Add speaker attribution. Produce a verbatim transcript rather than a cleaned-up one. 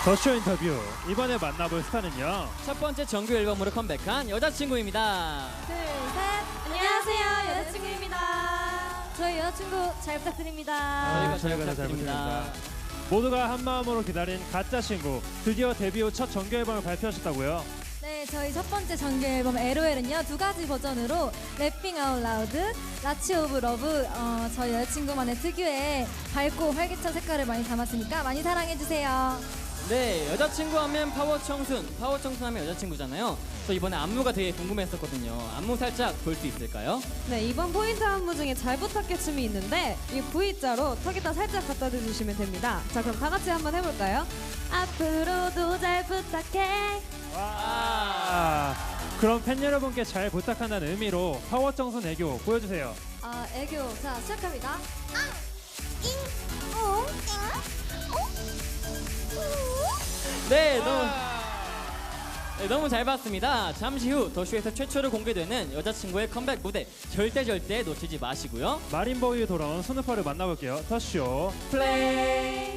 Speaker 1: 더쇼 인터뷰 이번에 만나볼 스타는요.
Speaker 2: 첫 번째 정규 앨범으로 컴백한 여자친구입니다.
Speaker 3: 둘, 셋. 안녕하세요. 여자친구입니다. 저희 여자친구 잘 부탁드립니다.
Speaker 1: 아,
Speaker 2: 저희가 잘
Speaker 1: 잘
Speaker 2: 부탁드립니다.
Speaker 1: 모두가 한 마음으로 기다린 가짜 친구 드디어 데뷔 후 첫 정규 앨범을 발표하셨다고요.
Speaker 3: 네, 저희 첫 번째 정규 앨범 엘오엘은요 두 가지 버전으로 래핑 아웃 라우드, 라치 오브 러브 어, 저희 여자친구만의 특유의 밝고 활기찬 색깔을 많이 담았으니까 많이 사랑해주세요.
Speaker 2: 네, 여자친구 하면 파워 청순, 파워 청순 하면 여자친구잖아요. 저 이번에 안무가 되게 궁금했었거든요. 안무 살짝 볼 수 있을까요?
Speaker 4: 네, 이번 포인트 안무 중에 잘 부탁해 춤이 있는데 이 V자로 턱에다 살짝 갖다 대주시면 됩니다. 자, 그럼 다 같이 한번 해볼까요? 앞으로도 잘 부탁해.
Speaker 1: 와. 그럼 팬 여러분께 잘 부탁한다는 의미로 파워 정선 애교 보여주세요.
Speaker 3: 아, 애교. 자, 시작합니다.
Speaker 2: 네, 너무 네, 너무 잘 봤습니다. 잠시 후 더쇼에서 최초로 공개되는 여자친구의 컴백 무대 절대 절대 놓치지 마시고요.
Speaker 1: 마린보이 돌아온 스누퍼를 만나볼게요. 더쇼
Speaker 2: 플레이.